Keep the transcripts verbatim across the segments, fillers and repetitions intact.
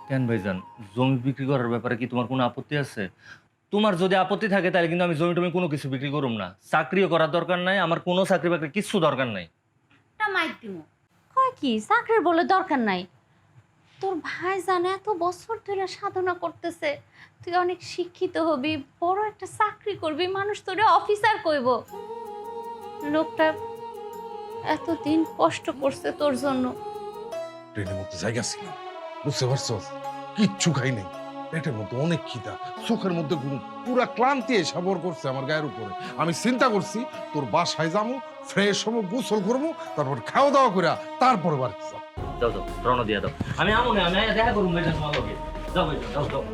কেন ভাইজান, জমি বিক্রি করার ব্যাপারে কি তোমার কোনো আপত্তি আছে? তোমার যদি আপত্তি থাকে তাহলে কিন্তু আমি জমি-টমি কোনো কিছু বিক্রি করুম না। চাকরিও করার দরকার নাই, আমার কোনো চাকরি-বাকরি কিচ্ছু দরকার নাই। একটা মাইর দিমু। কয় কি চাকরির বলে দরকার নাই? তোর ভাই জানে এত বছর ধরে সাধনা করতেছে, তুই অনেক শিক্ষিত হবি, বড় একটা চাকরি করবি, মানুষ তোরে অফিসার কইব। লোকটা এতদিন কষ্ট করছে তোর জন্য। ট্রেনের মধ্যে জায়গা ছিল, বুঝতে পারছস? কিচ্ছু খাই নাই, পেটের মধ্যে অনেক খিদা, চোখের মধ্যে ঘুম, পুরা ক্লান্তি এসে ভর করছে আমার গায়ের উপরে। আমি চিন্তা করছি তোর বাসায় যাবো, ফ্রেশ হবো, গোসল করবো, তারপর খাওয়া দাওয়া করে তারপরে বাড়ি যাবো। যাও যাও, রওনা দিয়া দাও। আমি আমো না, আমি আইয়া দেখা করুম ভাইজান তোমার লগে। যাও ভাইজান, যাও যাও।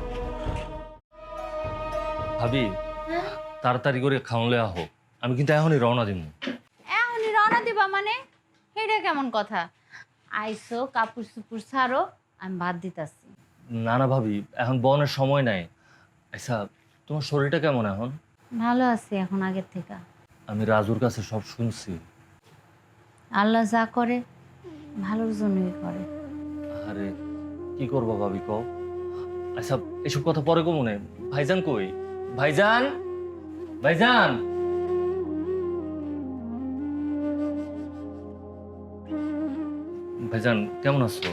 ভাবি, হ্যাঁ? তাড়াতাড়ি করে খাওয়ালে আহো। আমি কিন্তু এখনই রওনা দিমু। এখনই রওনা দিবা মানে? এটা কেমন কথা? আইসো, কাপড় চুপুর ছাড়ো, আমি ভাত দিতাছি। না না ভাবি, এখন বনের সময় নাই। আচ্ছা, তোমার শরীরটা কেমন এখন? ভালো আছি এখন আগের থেকে। আমি রাজুর কাছে সব শুনছি। আল্লাহ যা করে ভালোর জন্যই করে। আরে কি করবো ভাবি কও? আচ্ছা, এসব কথা পরে কো মনে। ভাইজান কই? ভাইজান, ভাইজান। ভাইজান কেমন আছো?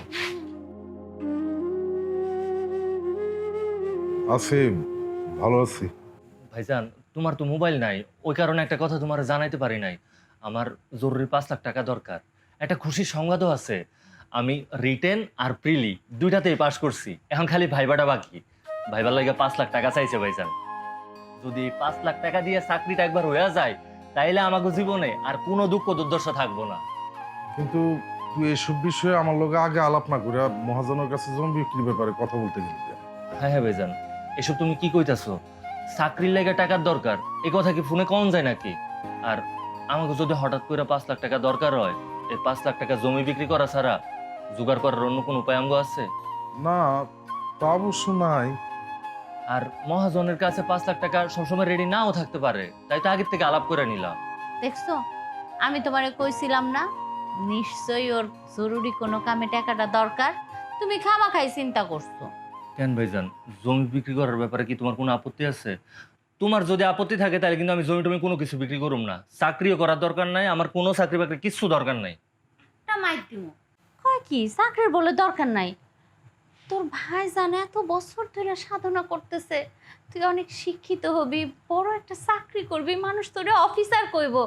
আছি, ভালো আছি। ভাইজান, তোমার তো মোবাইল নাই, ওই কারণে একটা কথা তোমার জানাইতে পারি নাই। আমার জরুরি পাঁচ লাখ টাকা দরকার। একটা খুশির সংবাদও আছে। আমি রিটেন আর প্রিলি দুইটাতেই পাশ করছি, এখন খালি ভাইবাটা বাকি। ভাইবার লাগে পাঁচ লাখ টাকা চাইছে ভাইজান। যদি এই পাঁচ লাখ টাকা দিয়ে চাকরিটা একবার হয়ে যায়, তাইলে আমাকে জীবনে আর কোনো দুঃখ দুর্দশা থাকবো না। কিন্তু তুই এসব বিষয়ে আমার লোকে আগে আলাপ না করে মহাজনের কাছে জমি বিক্রির ব্যাপারে কথা বলতে গেলি কেন? হ্যাঁ হ্যাঁ ভাইজান, এসব তুমি কি কইতাছো? চাকরির লাগে টাকার দরকার, এ কথা কি ফোনে কম যায় নাকি? আর আমাকে যদি হঠাৎ করে পাঁচ লাখ টাকা দরকার হয়, এই পাঁচ লাখ টাকা জমি বিক্রি করা ছাড়া জোগাড় করার অন্য কোনো উপায় আমগো আছে? না, তা অবশ্য নাই। আর মহাজনের কাছে পাঁচ লাখ টাকা সবসময় রেডি নাও থাকতে পারে, তাই তো আগের থেকে আলাপ করে নিলাম। দেখছো, আমি তোমারে কইছিলাম না নিশ্চয়ই ওর জরুরি কোনো কামে টাকাটা দরকার। তুমি খামাখাই চিন্তা করছো। কেন ভাইজান, জমি বিক্রি করার ব্যাপারে কি তোমার কোনো আপত্তি আছে? তোমার যদি আপত্তি থাকে তাহলে কিন্তু আমি জমি টমি কোনো কিছু বিক্রি করুম না। চাকরিও করার দরকার নাই, আমার কোনো চাকরি বাকরি কিচ্ছু দরকার নাই। একটা মাইর দিমু। কয় কি চাকরির বলে দরকার নাই? তোর ভাই জানে এত বছর ধরে সাধনা করতেছে, তুই অনেক শিক্ষিত হবি, বড় একটা চাকরি করবি, মানুষ তোরে অফিসার কইব।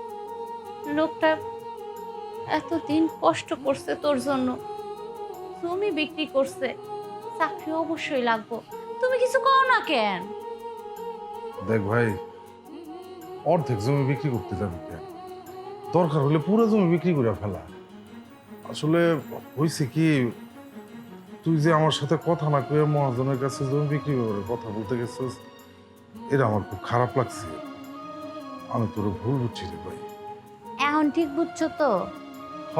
লোকটা এতদিন কষ্ট করছে তোর জন্য, জমি বিক্রি করছে, চাকরি অবশ্যই লাগবো। তুমি কিছু কও না কেন? দেখ ভাই, অর্ধেক জমি বিক্রি করতে যাবি কেন? দরকার হলে পুরো জমি বিক্রি করে ফেলা। আসলে হয়েছে কি, তুই যে আমার সাথে কথা না কয়ে মহাজনের কাছে জমি বিক্রি করে কথা বলতে গেছিস, এটা আমার খুব খারাপ লাগছে। আমি তোর ভুল বুঝছি রে ভাই। এখন ঠিক বুঝছো তো? হ,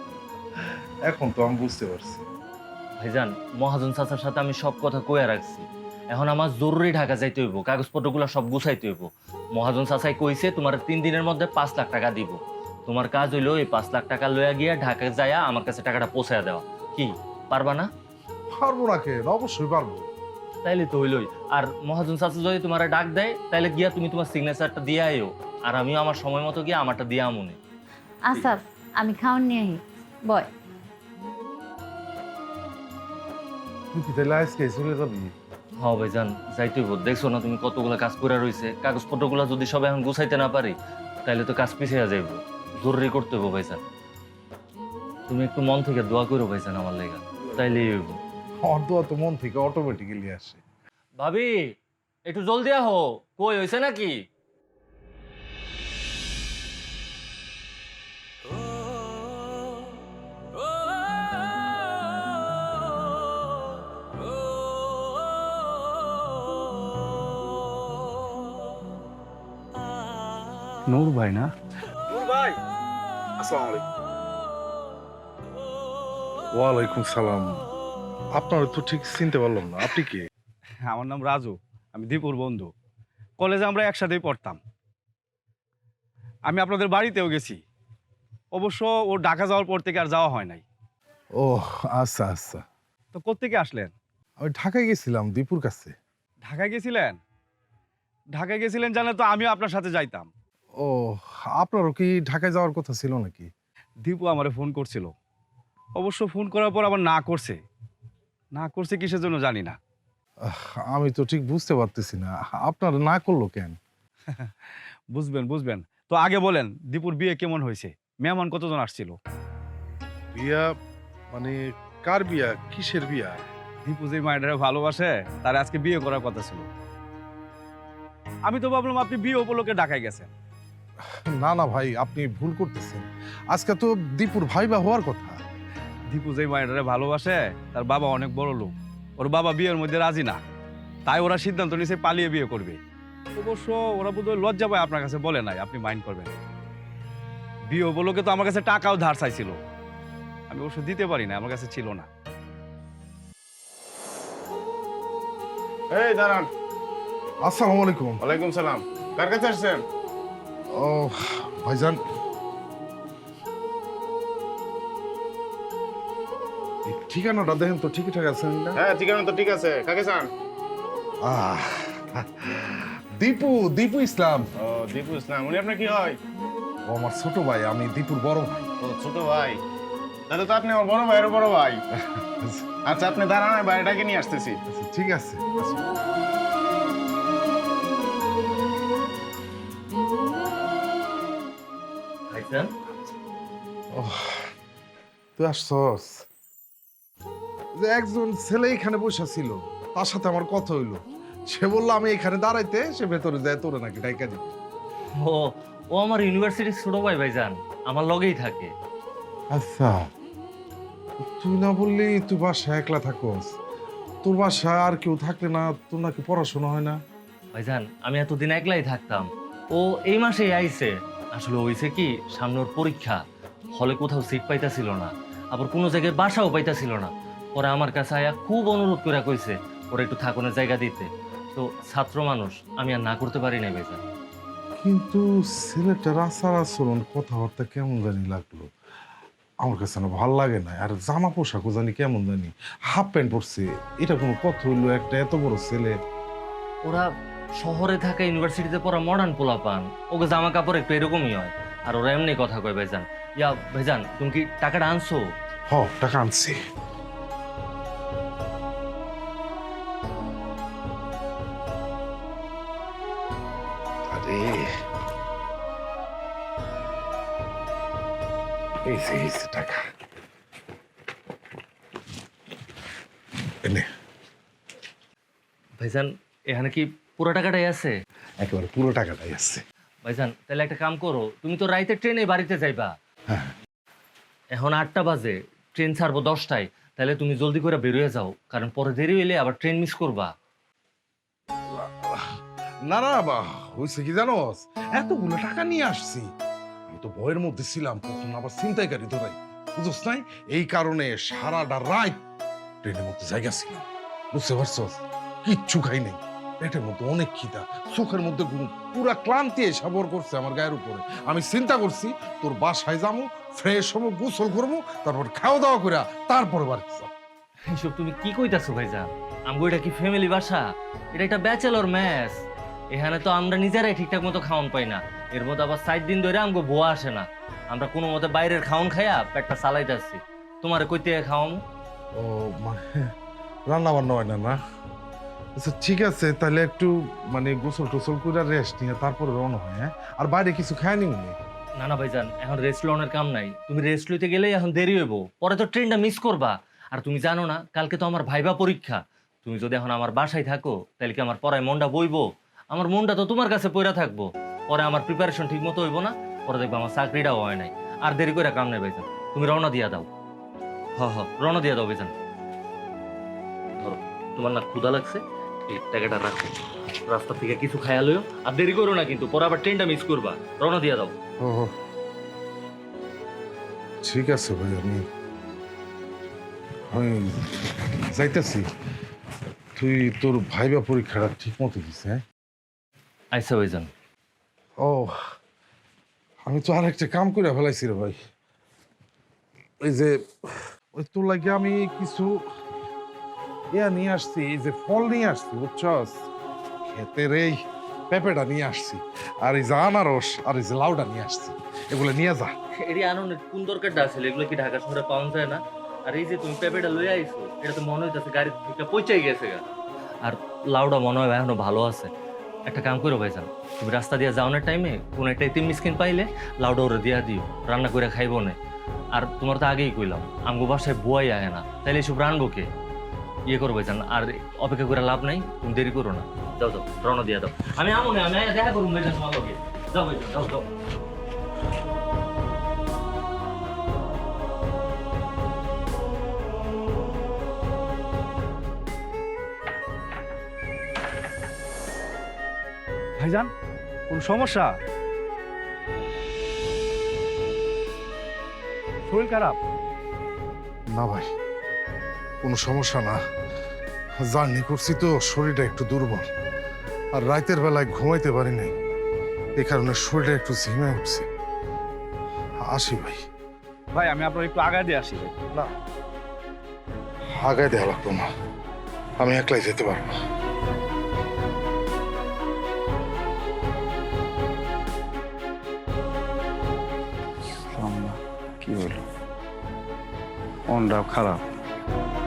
এখন তো আমি বুঝতে পারছি। ভাইজান, মহাজন চাচার সাথে আমি সব কথা কইয়া রাখছি। এখন আমার জরুরি ঢাকা যাইতে হইব, কাগজপত্রগুলো সব গুছাইতে হইব। মহাজন চাচাই কইছে তোমার তিন দিনের মধ্যে পাঁচ লাখ টাকা দিব। তোমার কাজ হইলো এই পাঁচ লাখ টাকা লইয়া গিয়া ঢাকা যাইয়া আমার কাছে টাকাটা পৌঁছায়া দেওয়া। কি পারবা না? পারবো না কেন, অবশ্যই পারবো। তাইলে তো হইলই। আর মহাজন চাচা যদি তোমার ডাক দেয় তাইলে গিয়া তুমি তোমার সিগনেচারটা দিয়ে আইও, আর আমিও আমার সময় মতো গিয়া আমারটা দিয়া আমনে। আচ্ছা, আমি খাওয়ান নিয়ে আহি। বয়। তুই কি তাহলে আজকে চলে যাবি? হ্যাঁ ভাইজান, যাইতে হইব। দেখছো না তুমি কতগুলা কাজ করে রইছে, কাগজপত্রগুলো যদি সব এখন গুছাইতে না পারি তাইলে তো কাজ পিছিয়ে যাইব। জরুরি করতে হইব ভাইজান। তুমি একটু মন থেকে দোয়া করো ভাইজান আমার লেগা, তাইলেই হইব। আমার দোয়া তো মন থেকে অটোমেটিক্যালি আসে। ভাবি, একটু জলদি আহো। কই হইছে নাকি? নূর ভাই না? নূর ভাই, আসসালামু আলাইকুম। ওয়ালাইকুম সালাম। আপনার তো ঠিক চিনতে পারলাম না, আপনি কে? আমার নাম রাজু, আমি দীপুর বন্ধু। কলেজে আমরা একসাথেই পড়তাম। আমি আপনাদের বাড়িতেও গেছি, অবশ্য ও ঢাকা যাওয়ার পর থেকে আর যাওয়া হয় নাই। ও আচ্ছা আচ্ছা। তো কোত্থেকে আসলেন? আমি ঢাকায় গেছিলাম দীপুর কাছে। ঢাকায় গেছিলেন? ঢাকায় গেছিলেন জানলে তো আমিও আপনার সাথে যাইতাম। ও, আপনারও কি ঢাকায় যাওয়ার কথা ছিল নাকি? দীপু আমারে ফোন করছিল, অবশ্য ফোন করার পর আবার না করছে। না করছে কিসের জন্য জানি না। আহ, আমি তো ঠিক বুঝতে পারতেছি না আপনার না করলো কেন। বুঝবেন বুঝবেন। তো আগে বলেন দীপুর বিয়ে কেমন হয়েছে? মেহমান কতজন আসছিল? বিয়া মানে কার বিয়া, কিসের বিয়া? দীপু যে মায়েরা ভালোবাসে তার আজকে বিয়ে করার কথা ছিল। আমি তো ভাবলাম আপনি বিয়ে উপলক্ষে ঢাকায় গেছেন। না না ভাই, আপনি ভুল করতেছেন। আজকে তো দীপুর ভাইবা হওয়ার কথা। দীপু যে মায়েরা ভালোবাসে তার বাবা অনেক বড় লোক, ওর বাবা বিয়ের মধ্যে রাজি না, তাই ওরা সিদ্ধান্ত নিয়েছে পালিয়ে বিয়ে করবে। অবশ্য ওরা বোধহয় লজ্জা পায় আপনার কাছে বলে নাই, আপনি মাইন্ড করবেন। বিয়ে উপলক্ষে তো আমার কাছে টাকাও ধার চাইছিল, আমি অবশ্য দিতে পারি না, আমার কাছে ছিল না। এই দাঁড়ান। আসসালামু আলাইকুম। ওয়ালাইকুম সালাম। কার কাছে আসছেন? ও ভাইজান, এই ঠিকানাটা দেখেন তো ঠিকঠাক আছে না? হ্যাঁ ঠিকানা তো ঠিক আছে। কাকে চান? আহ, দীপু দীপু ইসলাম। ও দীপু ইসলাম, উনি আপনার কি হয়? ও আমার ছোট ভাই, আমি দীপুর বড় ভাই। ও ছোট ভাই, তাহলে তো আপনি আমার বড় ভাইয়েরও বড় ভাই। আচ্ছা আপনি দাঁড়ান, আমি বাড়িটাকে নিয়ে আসতেছি। আচ্ছা, ঠিক আছে। আচ্ছা। ভাইজান, ওহ, তুই আসছস? যে একজন ছেলে এখানে বসে ছিল, তার সাথে আমার কথা হইলো। সে বললো আমি এখানে দাঁড়াইতে, সে ভেতরে যায় তোরে নাকি ডাইকা দিবে। ও ও আমার ইউনিভার্সিটির ছোট ভাই ভাইজান, আমার লগেই থাকে। আচ্ছা, তুই না বললি তুই বাসায় একলা থাকস? তোর বাসায় আর কেউ থাকলে না তোর নাকি পড়াশোনা হয় না? ভাইজান, আমি এতদিন একলাই থাকতাম, ও এই মাসেই আইছে। আসলে হইছে কি, সামনে ওর পরীক্ষা, হলে কোথাও সিট পাইতাছিল না, আবার কোনো জায়গায় বাসাও পাইতাছিল না। পরে আমার কাছে আয়া খুব অনুরোধ করে কইছে ওরা একটু থাকুনের জায়গা দিতে। তো ছাত্র মানুষ, আমি আর না করতে পারি নাই ভাইজান। কিন্তু ছেলেটার আচার আচরণ কথাবার্তা কেমন জানি লাগলো, আমার কাছে না ভাল লাগে না। আর জামা পোশাকও জানি কেমন জানি, হাফ প্যান্ট পরছে। এটা কোনো কথা হইলো? একটা এত বড় ছেলে। ওরা শহরে থাকা ইউনিভার্সিটিতে পড়া মডার্ন পোলা পান, ওকে জামা কাপড় একটু এরকমই হয়। আর ওরা এমনি কথা কয় ভাইজান। ইয়া ভাইজান, তুমি কি টাকাটা আনছো? হ, টাকা আনছি। আরে এই যে এই যে টাকা এনে। ভাইজান, এখানে কি পুরো টাকাটাই আছে? একেবারে পুরো টাকাটাই আছে। ভাইজান, তাহলে একটা কাম করো, তুমি তো রাইতে ট্রেনে বাড়িতে যাইবা। হ্যাঁ। এখন আটটা বাজে, ট্রেন ছাড়বো দশটায়। তাহলে তুমি জলদি করে বেরিয়ে যাও, কারণ পরে দেরি হইলে আবার ট্রেন মিস করবা। না না বা হয়েছে কি জানোস, এতগুলো টাকা নিয়ে আসছি, আমি তো ভয়ের মধ্যে ছিলাম কখন আবার ছিনতাইকারী ধরাই, বুঝছ নাই? এই কারণে সারাটা রাত ট্রেনের মধ্যে জায়গা ছিলাম, বুঝতে পারছস? কিচ্ছু খাই নাই, পেটের মধ্যে অনেক খিদা, চোখের মধ্যে ঘুম, পুরা ক্লান্তি এসে ভর করছে আমার গায়ের উপরে। আমি চিন্তা করছি তোর বাসায় যাবো, ফ্রেশ হবো, গোসল করবো, তারপর খাওয়া দাওয়া করে তারপরে বাড়িতে যাবো। এইসব তুমি কি কইতাছো ভাইজান? আমগো এটা কি ফ্যামিলি বাসা? এটা একটা ব্যাচেলর ম্যাচ। এখানে তো আমরা নিজেরাই ঠিকঠাক মতো খাওয়ান পাই না, এর মধ্যে আবার সাত দিন ধরে আমগো বোয়া আসে না। আমরা কোনো মতে বাইরের খাওন খাইয়া পেটটা চালাইতেছি। তোমারে কইতে খাওয়াম? ও মানে রান্না বান্না হয় না না? আচ্ছা ঠিক আছে, তাহলে একটু মানে গোসল টোসল করে রেস্ট নিয়ে তারপরে রওনা হয়। হ্যাঁ, আর বাইরে কিছু খায় নি উনি? না না ভাইজান, এখন রেস্ট লনের কাম নাই। তুমি রেস্ট লইতে গেলেই এখন দেরি হইব, পরে তো ট্রেনটা মিস করবা। আর তুমি জানো না কালকে তো আমার ভাইবা পরীক্ষা। তুমি যদি এখন আমার বাসায় থাকো তাহলে কি আমার পড়ায় মনটা বইবো? আমার মনটা তো তোমার কাছে পড়া থাকবো। পরে আমার প্রিপারেশন ঠিক মতো হইব না, পরে দেখবো আমার চাকরিটাও হয় নাই। আর দেরি করে কাম নাই ভাইজান, তুমি রওনা দিয়া দাও। হ হ রওনা দিয়া দাও ভাইজান। ধরো, তোমার না ক্ষুধা লাগছে, এই টাকাটা রাখো, রাস্তা থেকে কিছু খায়া লইও। আর দেরি করো না কিন্তু, পরে আবার ট্রেনটা মিস করবা। রওনা দিয়া দাও। ও ঠিক আছে ভাই, আমি আমি যাইতেছি। তুই তোর ভাইবা পরীক্ষাটা ঠিক মতো দিস। হ্যাঁ আচ্ছা ভাইজান। ও, আমি তো আর একটা কাম করে ফেলাইছি রে ভাই। ওই যে ওই তোর লাগে আমি কিছু ইয়া নিয়ে আসছি, এই যে ফল নিয়ে আসছি বুঝছস, ক্ষেতের এই পেঁপেটা নিয়ে আসছি, আর এই যে আনারস আর এই যে লাউটা নিয়ে আসছি, এগুলো নিয়ে যা। এটি আনন্দের কোন দরকারটা আছে, এগুলো কি ঢাকা শহরে পাওয়া যায় না? আর এই যে তুমি পেঁপেটা লইয়া আইছো, এটা তো মনে হইতেছে গাড়ি থেকে পৌঁছাই গেছে গা। আর লাউডা মনে হয় এখনো ভালো আছে। একটা কাম করো ভাইজান, তুমি রাস্তা দিয়ে যাওয়ানোর টাইমে কোন একটা ইতিম মিসকিন পাইলে লাউডা ওরে দিয়া দিও, রান্না করে খাইবো না। আর তোমার তো আগেই কইলাম আমগো বাসায় বুয়াই আয় না, তাইলে এসব রানবো কে? ইয়ে করো ভাইজান, আর অপেক্ষা করে লাভ নাই, তুমি দেরি করো না। যাও যাও, রওনা দিয়া দাও। আমি আমো না, আমি আয়া দেখা করুন ভাইজান তোমার লগে। যাও ভাইজান, যাও যাও। ভাইজান, কোন সমস্যা? শরীর খারাপ? না ভাই, কোনো সমস্যা না। জার্নি করছি তো, শরীরটা একটু দুর্বল, আর রাতের বেলায় ঘুমাইতে পারি নাই, এই কারণে শরীরটা একটু ঝিমে উঠছে। আসি ভাই। ভাই আমি আপনার একটু আগায় দিয়ে আসি ভাই। না, আগায় দেওয়া লাগতো না, আমি একলাই যেতে পারবো। কি হলো? মনটাও খারাপ।